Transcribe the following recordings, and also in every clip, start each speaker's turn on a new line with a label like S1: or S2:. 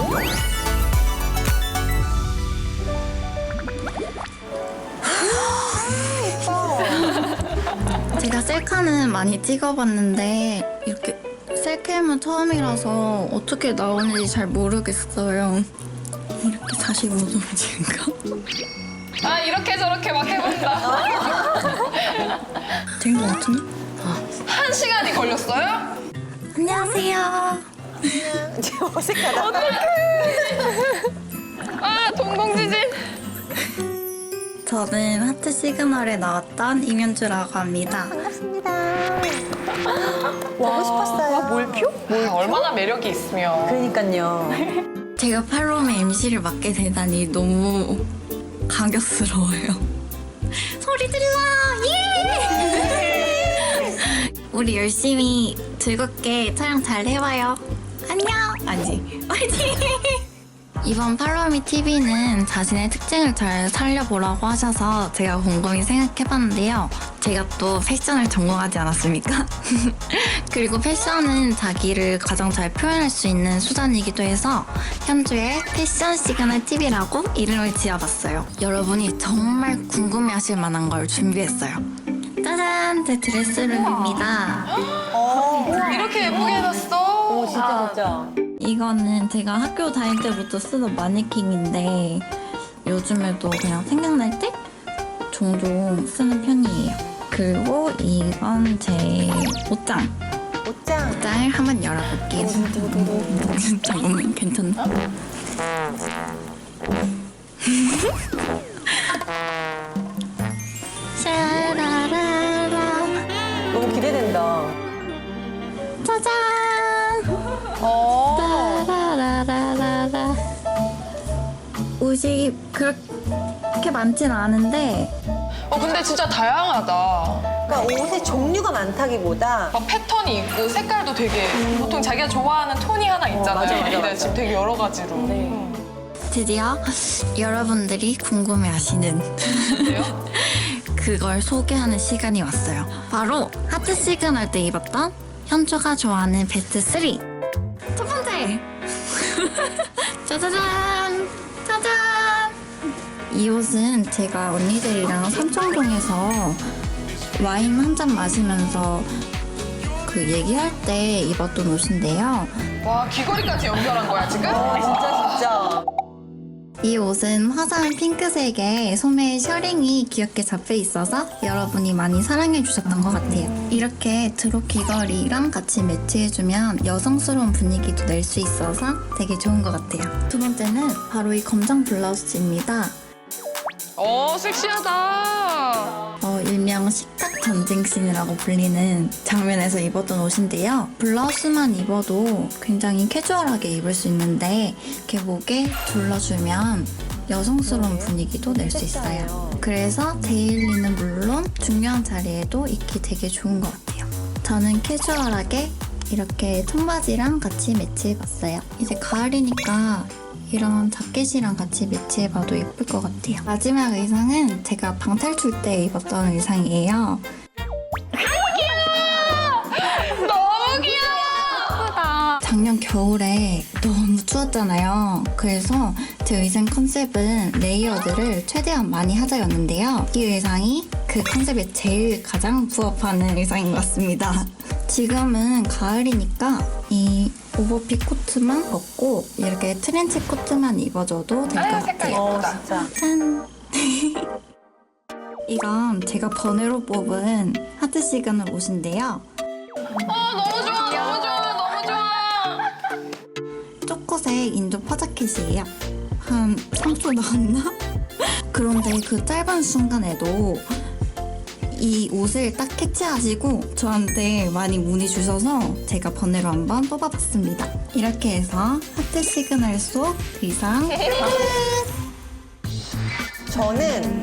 S1: 제가 셀카는 많이 찍어봤는데 이렇게 셀캠은 처음이라서 어떻게 나오는지 잘 모르겠어요. 이렇게 45도인가?
S2: 아 이렇게 저렇게 막 해본다.
S1: 된 것 같은데?
S2: 1시간이 걸렸어요?
S1: 안녕하세요.
S3: 지금 어색하다.
S2: 아 동공지진.
S1: 저는 하트 시그널에 나왔던 임현주라고 합니다.
S3: 반갑습니다. 보고 싶었어요. 몰표?
S2: 얼마나 매력이 있으면.
S3: 그러니까요.
S1: 제가 팔로움의 MC를 맡게 되다니 너무 감격스러워요. 소리 질러! 예! 우리 열심히 즐겁게 촬영 잘 해봐요. 안녕! 아니, 화이팅! 이번 팔로우미 TV는 자신의 특징을 잘 살려보라고 하셔서 제가 곰곰이 생각해봤는데요. 제가 또 패션을 전공하지 않았습니까? 그리고 패션은 자기를 가장 잘 표현할 수 있는 수단이기도 해서 현주의 패션 시그널 TV라고 이름을 지어봤어요. 여러분이 정말 궁금해하실 만한 걸 준비했어요. 짜잔! 제 드레스룸입니다.
S2: 이렇게 예쁘게 해놨어.
S3: 오, 진짜.
S1: 이거는 제가 학교 다닐 때부터 쓰던 마네킹인데 요즘에도 그냥 생각날 때 종종 쓰는 편이에요. 그리고 이건 제 옷장.
S3: 옷장.
S1: 옷장을 한번 열어볼게요. 잠깐만, 괜찮나? 샤라라라
S3: 너무 기대된다.
S1: 짜잔! 라라라라라. 옷이 그렇게 많진 않은데
S2: 근데 진짜 다양하다.
S3: 그러니까 옷의 종류가 많다기보다
S2: 막 패턴이 있고 색깔도 되게 보통 자기가 좋아하는 톤이 하나 있잖아요.
S3: 맞아, 맞아,
S2: 근데
S3: 맞아.
S2: 지금 되게 여러 가지로.
S3: 네.
S1: 드디어 여러분들이 궁금해하시는
S2: 그래요?
S1: 그걸 소개하는 시간이 왔어요. 바로 하트 시그널 때 입었던 현주가 좋아하는 베스트 3. 첫 번째! 짜자잔! 짜잔! 이 옷은 제가 언니들이랑 삼청동에서 와인 한 잔 마시면서 그 얘기할 때 입었던 옷인데요.
S2: 와 귀걸이까지 연결한 거야 지금?
S3: 진짜.
S1: 이 옷은 화사한 핑크색에 소매에 셔링이 귀엽게 잡혀 있어서 여러분이 많이 사랑해 주셨던 것 같아요. 이렇게 드롭 귀걸이랑 같이 매치해주면 여성스러운 분위기도 낼 수 있어서 되게 좋은 것 같아요. 두 번째는 바로 이 검정 블라우스입니다.
S2: 섹시하다.
S1: 일명 식탁 전쟁씬이라고 불리는 장면에서 입었던 옷인데요. 블라우스만 입어도 굉장히 캐주얼하게 입을 수 있는데 이렇게 목에 둘러주면 여성스러운 분위기도 낼 수 있어요. 그래서 데일리는 물론 중요한 자리에도 입기 되게 좋은 것 같아요. 저는 캐주얼하게 이렇게 청바지랑 같이 매치해봤어요. 이제 가을이니까 이런 자켓이랑 같이 매치해봐도 예쁠 것 같아요. 마지막 의상은 제가 방탈출 때 입었던 의상이에요.
S2: 너무 귀여워.
S1: 작년 겨울에 너무 추웠잖아요. 그래서 제 의상 컨셉은 레이어드를 최대한 많이 하자였는데요. 이 의상이 그 컨셉에 제일 가장 부합하는 의상인 것 같습니다. 지금은 가을이니까 이 오버핏 코트만 벗고 이렇게 트렌치 코트만 입어줘도 될 것
S2: 색깔
S1: 같아요.
S2: 예쁘다.
S3: 진짜.
S1: 짠! 이건 제가 번외로 뽑은 하트 시그널 옷인데요.
S2: 너무 좋아 너무 좋아 너무 좋아.
S1: 초코색 인도 퍼자켓이에요. 한 3초 나왔나? 그런데 그 짧은 순간에도 이 옷을 딱 캐치하시고 저한테 많이 문의 주셔서 제가 번외로 한번 뽑아봤습니다. 이렇게 해서 하트 시그널 속 의상 끝!
S3: 저는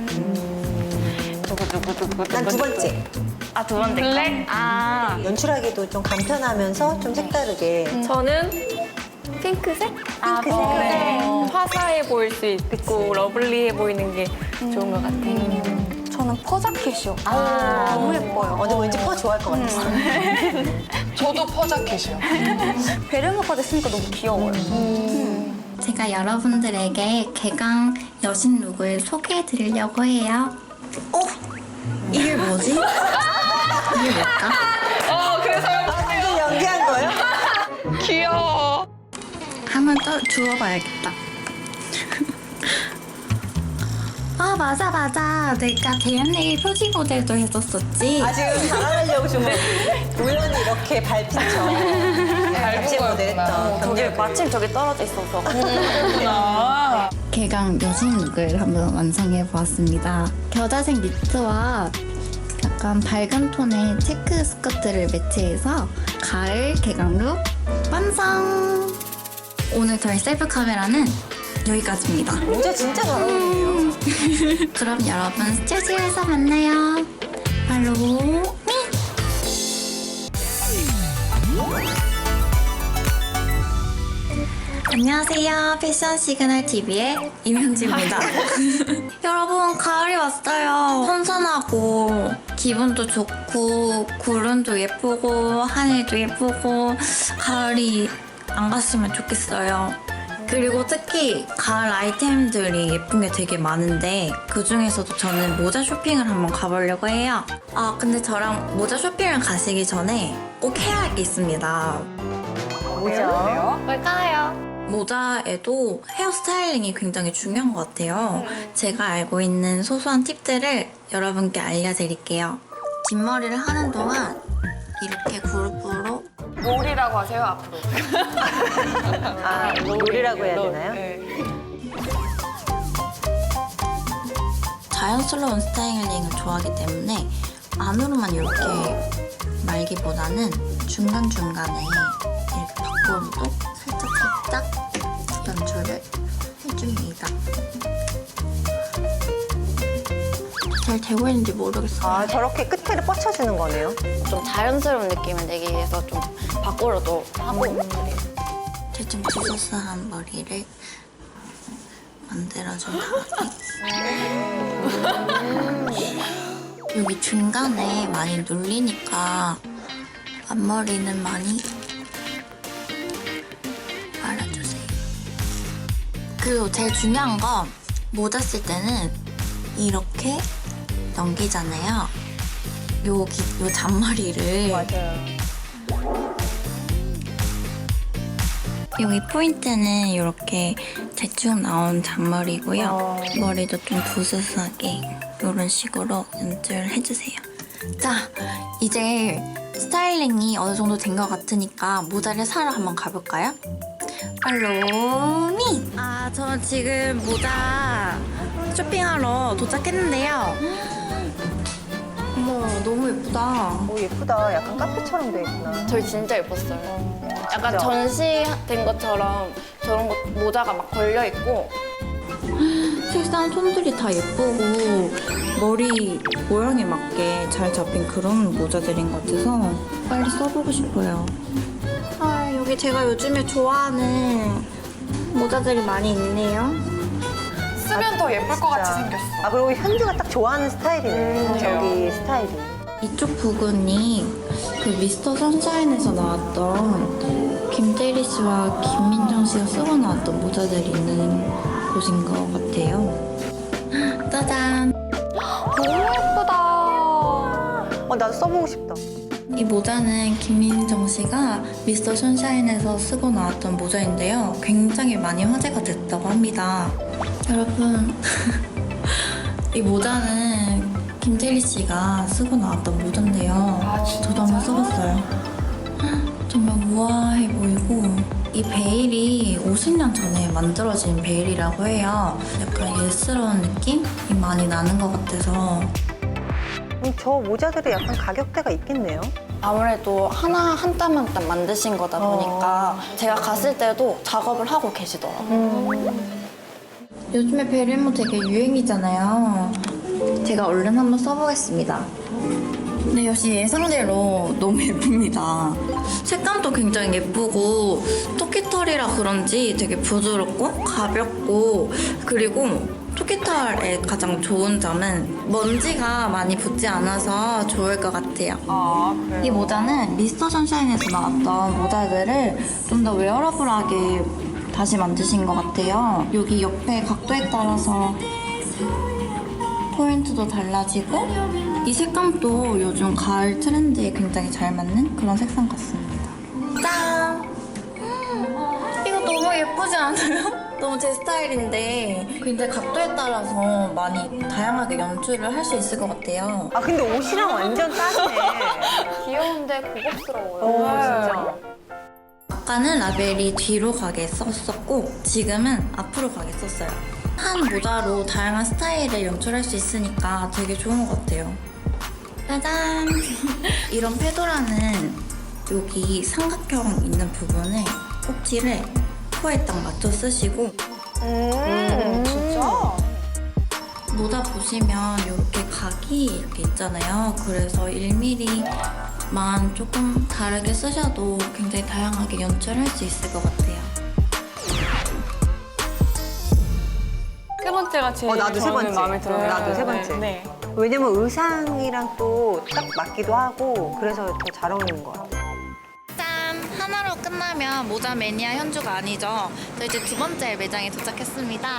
S3: 난 두 번째.
S4: 아, 두 번째 거?
S2: 블랙?
S4: 아,
S3: 연출하기도 좀 간편하면서 좀 색다르게.
S4: 저는 핑크색? 아,
S3: 핑크색.
S4: 네. 화사해 보일 수 있고 러블리해 보이는 게 좋은 것 같아요.
S5: 저는 퍼자켓이요.
S4: 아,
S5: 너무 예뻐요.
S3: 근데 왠지 퍼 좋아할 것 같았어.
S2: 저도 퍼자켓이요.
S5: 베르모까지 쓰니까 너무 귀여워요.
S1: 제가 여러분들에게 개강 여신 룩을 소개해 드리려고 해요. 이게 뭐지? 이게 뭘까?
S2: 그래서
S3: 이게 연기한 거예요?
S2: 귀여워.
S1: 한번 또 주워봐야겠다. 맞아. 내가 대현내일 표지 모델도 했었었지.
S3: 지금 자랑하려고 좀 우연히 이렇게 밟힌 척. 같이 모델했던
S4: 저기 마침 저기 떨어져 있어서.
S1: 개강 여신 룩을 한번 완성해 보았습니다. 겨자색 니트와 약간 밝은 톤의 체크 스커트를 매치해서 가을 개강 룩 완성! 오늘 저희 셀프 카메라는 여기까지입니다.
S3: 모자 진짜 잘 어울리네요.
S1: 그럼 여러분 스튜디오에서 만나요. 팔로우 미! 안녕하세요. 패션 시그널 TV의 임현지입니다. 여러분, 가을이 왔어요. 선선하고 기분도 좋고 구름도 예쁘고 하늘도 예쁘고 가을이 안 갔으면 좋겠어요. 그리고 특히 가을 아이템들이 예쁜 게 되게 많은데 그 중에서도 저는 모자 쇼핑을 한번 가보려고 해요. 근데 저랑 모자 쇼핑을 가시기 전에 꼭 해야 할 게 있습니다.
S3: 모자.
S4: 뭘까요?
S1: 모자에도 헤어 스타일링이 굉장히 중요한 것 같아요. 제가 알고 있는 소소한 팁들을 여러분께 알려드릴게요. 긴 머리를 하는 동안 이렇게 그룹으로
S2: 롤이라고 하세요, 앞으로.
S3: 롤이라고 해야 되나요?
S2: 네.
S1: 자연스러운 스타일링을 좋아하기 때문에 안으로만 이렇게 말기보다는 중간중간에 이렇게 밖으로도 살짝 연출을 해줍니다. 잘 되고 있는지 모르겠어요.
S3: 저렇게 끝에를 뻗쳐주는 거네요.
S4: 좀 자연스러운 느낌을 내기 위해서 좀 밖으로도 하고 그래요.
S1: 대충 지저스한 머리를 만들어준 다음에 여기 중간에 많이 눌리니까 앞머리는 많이 말아주세요. 그리고 제일 중요한 건 모자 쓸 때는 이렇게 넘기잖아요. 요 잔머리를.
S3: 맞아요.
S1: 여기 포인트는 이렇게 대충 나온 잔머리고요. 머리도 좀 부스스하게 이런 식으로 연출을 해주세요. 자, 이제 스타일링이 어느 정도 된 것 같으니까 모자를 사러 한번 가볼까요? 팔로우미! 저 지금 모자 쇼핑하러 도착했는데요. 어머, 너무 예쁘다.
S3: 예쁘다. 약간 카페처럼 돼 있구나.
S4: 저희 진짜 예뻤어요. 약간
S3: 그죠?
S4: 전시된 것처럼 저런 거 모자가 막 걸려 있고
S1: 색상 톤들이 다 예쁘고 머리 모양에 맞게 잘 잡힌 그런 모자들인 것 같아서 빨리 써보고 싶어요. 여기 제가 요즘에 좋아하는 모자들이 많이 있네요.
S2: 쓰면 더 예쁠 것 같이 생겼어.
S3: 그리고 현주가 딱 좋아하는 스타일이네. 저기 스타일이.
S1: 이쪽 부분이 그 미스터 선샤인에서 나왔던 김대리 씨와 김민정 씨가 쓰고 나왔던 모자들이 있는 곳인 것 같아요. 짜잔!
S4: 너무 예쁘다.
S3: 나도 써보고 싶다.
S1: 이 모자는 김민정 씨가 미스터 선샤인에서 쓰고 나왔던 모자인데요. 굉장히 많이 화제가 됐다고 합니다. 여러분, 이 모자는 김태리 씨가 쓰고 나왔던 모자인데요. 저도 한번 써봤어요. 정말 우아해 보이고 이 베일이 50년 전에 만들어진 베일이라고 해요. 약간 예스러운 느낌이 많이 나는 것 같아서
S3: 저 모자들이 약간 가격대가 있겠네요.
S4: 아무래도 하나 한 땀 한 땀 만드신 거다 보니까 제가 갔을 때도 작업을 하고 계시더라고요.
S1: 요즘에 베레모 되게 유행이잖아요. 제가 얼른 한번 써보겠습니다. 근데 역시 예상대로 너무 예쁩니다. 색감도 굉장히 예쁘고 토끼털이라 그런지 되게 부드럽고 가볍고 그리고 토끼털의 가장 좋은 점은 먼지가 많이 붙지 않아서 좋을 것 같아요.
S2: 그래요?
S1: 이 모자는 미스터 선샤인에서 나왔던 모자들을 좀 더 웨어러블하게 다시 만드신 것 같아요. 여기 옆에 각도에 따라서 포인트도 달라지고 이 색감도 요즘 가을 트렌드에 굉장히 잘 맞는 그런 색상 같습니다. 짠! 이거 너무 예쁘지 않아요? 너무 제 스타일인데 굉장히 각도에 따라서 많이 다양하게 연출을 할 수 있을 것 같아요.
S3: 아 근데 옷이랑 완전 딱이네.
S4: 귀여운데 고급스러워요.
S3: 진짜.
S1: 아까는 라벨이 뒤로 가게 썼었고 지금은 앞으로 가게 썼어요. 한 모자로 다양한 스타일을 연출할 수 있으니까 되게 좋은 것 같아요. 짜잔! 이런 페도라는 여기 삼각형 있는 부분에 꼭지를 코에 딱 맞춰 쓰시고
S2: 진짜?
S1: 모자 보시면 이렇게 각이 이렇게 있잖아요. 그래서 1mm만 조금 다르게 쓰셔도 굉장히 다양하게 연출할 수 있을 것 같아요.
S2: 세 번째가 제일
S3: 나도 세
S2: 저는
S3: 번째.
S2: 마음에 들어요.
S3: 나도 세 번째.
S2: 네.
S3: 왜냐면 의상이랑 또 딱 맞기도 하고 그래서 더 잘 어울리는 것 같아.
S1: 짠! 하나로 끝나면 모자 매니아 현주가 아니죠. 저 이제 두 번째 매장에 도착했습니다.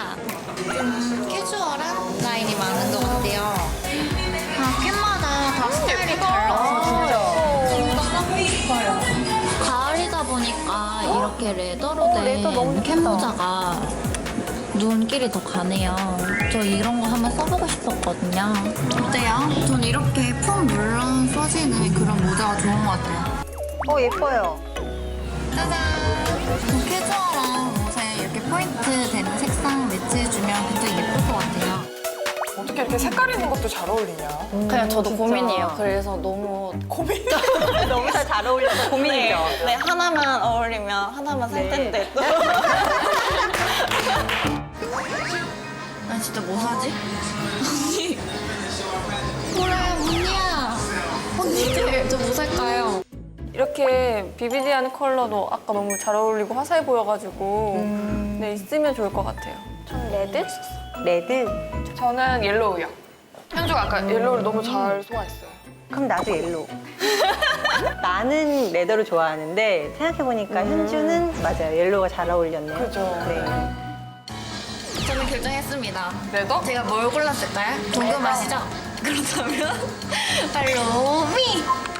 S1: 캐주얼한 라인이 많은 것 같아요. 캔마다 다 스타일이 달라서 진짜 사고 싶어요. 가을이다 보니까 이렇게 레더로 된 캔모자가 눈길이 더 가네요. 저 이런 거 한번 써보고 싶었거든요. 어때요? 전 이렇게 푹 물러 써지는 그런 모자가 좋은 것 같아요.
S3: 예뻐요.
S1: 짜잔! 캐주얼한 옷에 이렇게 포인트 되는 색상 매치해주면 굉장히 예쁠 것 같아요.
S2: 어떻게 이렇게 색깔 있는 것도 잘 어울리냐?
S4: 그냥 저도 고민이에요. 그래서 너무
S2: 고민.
S3: 너무 다 잘 어울려서 고민이죠.
S4: 네, 하나만 어울리면 하나만 살 텐데 또.
S1: 나 진짜 뭐 사지? 언니! 그래, 언니야! 언니, 저 뭐 살까요?
S2: 이렇게 비비디한 컬러도 아까 너무 잘 어울리고 화사해 보여가지고 네, 있으면 좋을 것 같아요.
S4: 전 레드?
S3: 레드?
S2: 저는 옐로우요. 현주가 아까 옐로우를 너무 잘 소화했어요.
S3: 그럼 나도 옐로우. 나는 레더를 좋아하는데 생각해보니까 현주는 맞아요. 옐로우가 잘 어울렸네요.
S2: 그죠.
S3: 네.
S1: 저는 결정했습니다.
S2: 레더?
S1: 제가 뭘 골랐을까요? 궁금하시죠? 그렇다면 발로미!